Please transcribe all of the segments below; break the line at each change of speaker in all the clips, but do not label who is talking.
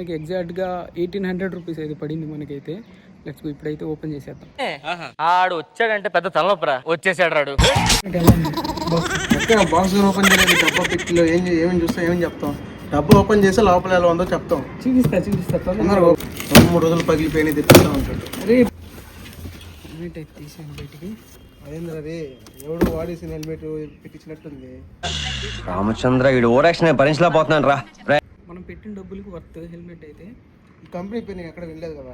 మనకి ఎగ్జాక్ట్గా 1800 రూపీస్ అయితే పడింది మనకైతే. లెట్స్ గో ఇప్పుడైతే ఓపెన్ చేసేద్దాం.
ఆడు వచ్చాడంటే పెద్ద తలనొప్పరా, వచ్చేసాడు రాడు.
బాక్స్ ఓపెన్ చేయలేదు, డబ్బా పెట్టిలో ఏమేమి చూస్తా ఏమేమి చెప్తాం. డబ్బా ఓపెన్ చేస్తే లోపల ఎలా ఉందో చెప్తాం.
చూపిస్తా
2-3 రోజులు పగిలిపోయినాయి తెప్పిస్తా ఉంటాడు.
అరే హెల్మెట్ అయితే తీసాను బయటికి.
అదేంద్ర అది ఎవడు వాడేసిన హెల్మెట్ పెట్టించినట్టుంది.
రామచంద్ర వీడు ఓరాక్షన్ భరించలేకపోతున్నాను రా.
మనం పెట్టిన డబ్బులకి వర్త్ హెల్మెట్ అయితే.
ఈ కంపెనీ పేరు నేను ఎక్కడ వెళ్ళలేదు కదా.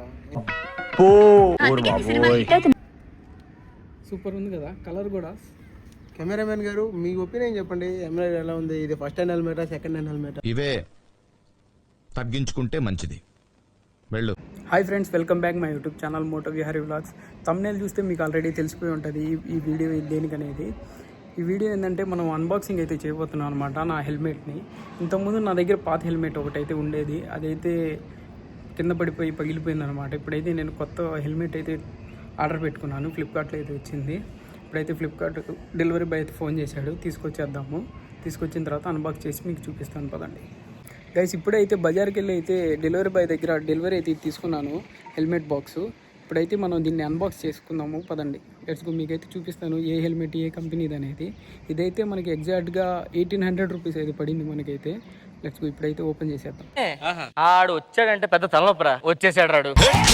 సూపర్ ఉంది కదా, కలర్ కూడా.
కెమెరామెన్ గారు మీ ఒపీనియన్ చెప్పండి, హెల్మెట్ ఎలా ఉంది? ఇది ఫస్ట్ హ్యాండ్ హెల్మెటా, సెకండ్ హ్యాండ్ హెల్మెటా?
ఇవే తగ్గించుకుంటే మంచిది, వెళ్ళు.
Hi friends, welcome back my YouTube channel moto Vihari vlogs. Thumbnail చూస్తే మీకు ఆల్రెడీ తెలిసిపోయి ఉంటుంది ఈ వీడియో దేనికనేది. ఈ వీడియో ఏంటంటే మనం అన్బాక్సింగ్ అయితే చేయబోతున్నాం అనమాట నా హెల్మెట్ని. ఇంతకుముందు నా దగ్గర పాత హెల్మెట్ ఒకటైతే ఉండేది, అదైతే కింద పడిపోయి పగిలిపోయింది అనమాట. ఇప్పుడైతే నేను కొత్త హెల్మెట్ అయితే ఆర్డర్ పెట్టుకున్నాను, ఫ్లిప్కార్ట్లో అయితే వచ్చింది. ఇప్పుడైతే ఫ్లిప్కార్ట్ డెలివరీ బాయ్ అయితే ఫోన్ చేశాడు, తీసుకొచ్చేద్దాము. తీసుకొచ్చిన తర్వాత అన్బాక్స్ చేసి మీకు చూపిస్తాను పదండి గైస్. ఇప్పుడైతే బజార్కి వెళ్ళి అయితే డెలివరీ బాయ్ దగ్గర డెలివరీ అయితే తీసుకున్నాను హెల్మెట్ బాక్సు. ఇప్పుడైతే మనం దీన్ని అన్బాక్స్ చేసుకుందాము పదండి. లెట్స్ గో, మీకైతే చూపిస్తాను ఏ హెల్మెట్ ఏ కంపెనీది అనేది. ఇదైతే మనకి ఎగ్జాక్ట్గా 1800 రూపీస్ అయితే పడింది మనకైతే. లెట్స్ గో ఇప్పుడైతే ఓపెన్ చేసేద్దాం.
ఆడు వచ్చాడంటే పెద్ద తలనొప్పరా, వచ్చేసాడు రాడు.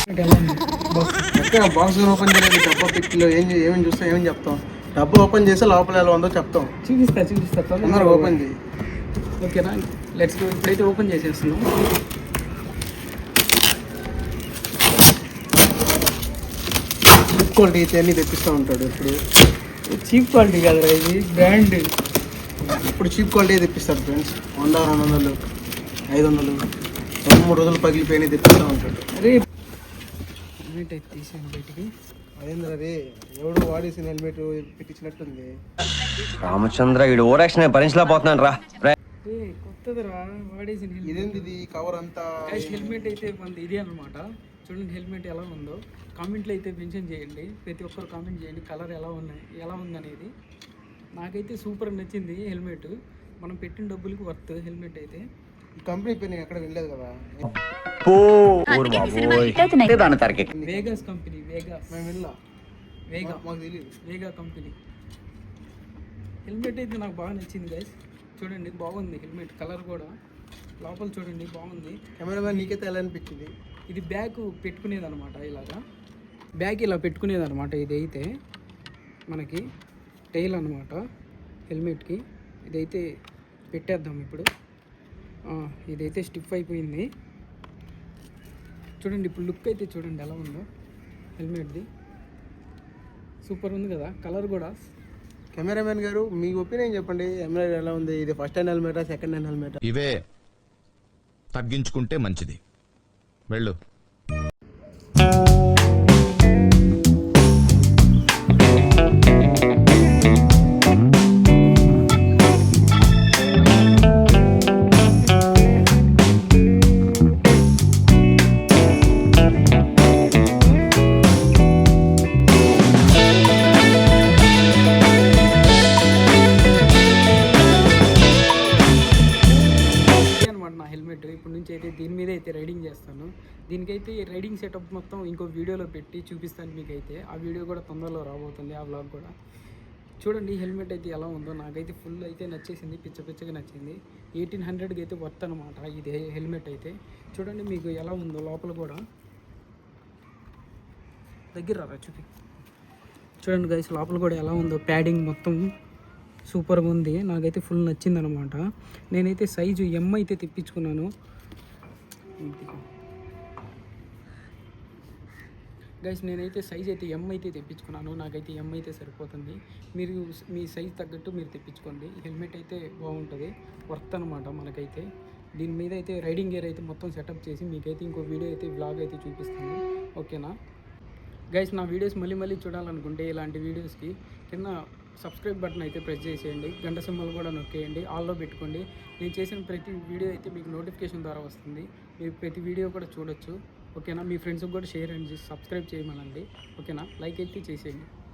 బాక్స్ ఓపెన్ చేయలేదు, డబ్బా పెట్టిలో ఏమేమి చూస్తా ఏమేమి చెప్తాం. డబ్బా ఓపెన్ చేస్తే లోపల ఎలా ఉందో చెప్తాం.
చూపిస్తా
తొందరగా ఓపెన్ చేయి.
ఓకేనా, లెట్స్ గో ఇప్పుడైతే ఓపెన్ చేసేస్తున్నాం.
చీప్ క్వాలిటీ అయితే అన్నీ తెప్పిస్తూ ఉంటాడు. ఇప్పుడు
చీప్ క్వాలిటీ కాదురా, ఇది బ్రాండ్.
ఇప్పుడు చీప్ క్వాలిటీ తెప్పిస్తాడు ఫ్రెండ్స్. 100, 200, 500, 2-3 రోజులు పగిలిపోయినాయి తెప్పిస్తూ ఉంటాడు.
అరే హెల్మెట్ అయితే తీసాను బయటికి.
అదేంద్ర అది ఎవడు వాడేసిన హెల్మెట్ పెట్టించినట్టుంది.
రామచంద్ర వీడు ఓరాక్షన్ భరించలేకపోతున్నాను రా.
కొత్తదిరా, వాడేసిన
ఇదేంది ఇది కవర్ అంతా.
హెల్మెట్ అయితే మనది ఇది అనమాట. చూడండి హెల్మెట్ ఎలా ఉందో, కామెంట్లో అయితే మెన్షన్ చేయండి. ప్రతి ఒక్కరు కామెంట్ చేయండి కలర్ ఎలా ఉందనేది. నాకైతే సూపర్ నచ్చింది హెల్మెట్. మనం పెట్టిన డబ్బులకి వర్త్ హెల్మెట్ అయితే.
ఈ కంపెనీ పేరు నేను ఎక్కడ వెళ్ళలేదు కదా.
వేగాస్ కంపెనీ,
మేము వెళ్ళా, మాకు తెలియదు.
వేగా కంపెనీ హెల్మెట్ అయితే నాకు బాగా నచ్చింది గైస్. చూడండి బాగుంది హెల్మెట్, కలర్ కూడా. లోపల చూడండి బాగుంది.
కెమెరామెన్ నీకైతే ఎలా అనిపించింది?
ఇది బ్యాగ్ పెట్టుకునేది అనమాట, ఇలాగా బ్యాగ్ ఇలా పెట్టుకునేది అనమాట. ఇదైతే మనకి టైల్ అనమాట హెల్మెట్కి. ఇదైతే పెట్టేద్దాం ఇప్పుడు. ఇదైతే స్టిఫ్ అయిపోయింది. చూడండి ఇప్పుడు లుక్ అయితే చూడండి ఎలా ఉందో హెల్మెట్ది. సూపర్ ఉంది కదా, కలర్ కూడా.
కెమెరామెన్ గారు మీ ఒపీనియన్ చెప్పండి, హెల్మెట్ ఎలా ఉంది? ఇది ఫస్ట్ హ్యాండ్ హెల్మెటా, సెకండ్ హ్యాండ్ హెల్మెటా?
ఇవే తగ్గించుకుంటే మంచిది, వెళ్ళు.
ఇప్పటి నుంచి అయితే దీని మీద అయితే రైడింగ్ చేస్తాను. దీనికైతే రైడింగ్ సెటప్ మొత్తం ఇంకో వీడియోలో పెట్టి చూపిస్తాను మీకైతే. ఆ వీడియో కూడా తొందరలో రాబోతుంది, ఆ వ్లాగ్ కూడా. చూడండి హెల్మెట్ అయితే ఎలా ఉందో, నాకైతే ఫుల్ అయితే నచ్చేసింది, పిచ్చగా నచ్చింది. 1800కి అయితే వర్త్ అనమాట ఇది హెల్మెట్ అయితే. చూడండి మీకు ఎలా ఉందో లోపల కూడా. దగ్గర రా చూపి. చూడండి గైస్ లోపల కూడా ఎలా ఉందో, ప్యాడింగ్ మొత్తం సూపర్గా ఉంది. నాకైతే ఫుల్ నచ్చింది అనమాట. నేనైతే సైజు ఎం అయితే తెప్పించుకున్నాను గైస్. నేనైతే సైజ్ అయితే ఎం అయితే తెప్పించుకున్నాను. నాకైతే ఎం అయితే సరిపోతుంది. మీరు మీ సైజ్ తగ్గట్టు మీరు తెప్పించుకోండి. హెల్మెట్ అయితే బాగుంటుంది, వర్త్ అనమాట మనకైతే. దీని మీద అయితే రైడింగ్ గేర్ అయితే మొత్తం సెటప్ చేసి మీకైతే ఇంకో వీడియో అయితే వ్లాగ్ అయితే చూపిస్తాను, ఓకేనా గైస్. నా వీడియోస్ మళ్ళీ చూడాలనుకుంటే ఇలాంటి వీడియోస్కి కింద సబ్స్క్రైబ్ బటన్ అయితే ప్రెస్ చేసేయండి, గంట సింబల్ కూడా నొక్కేయండి, ఆల్లో పెట్టుకోండి. నేను చేసిన ప్రతి వీడియో అయితే మీకు నోటిఫికేషన్ ద్వారా వస్తుంది. మీరు ప్రతి వీడియో కూడా చూడొచ్చు, ఓకేనా. మీ ఫ్రెండ్స్కి కూడా షేర్ అండ్ సబ్స్క్రైబ్ చేయమనండి, ఓకేనా. లైక్ అయితే చేసేయండి.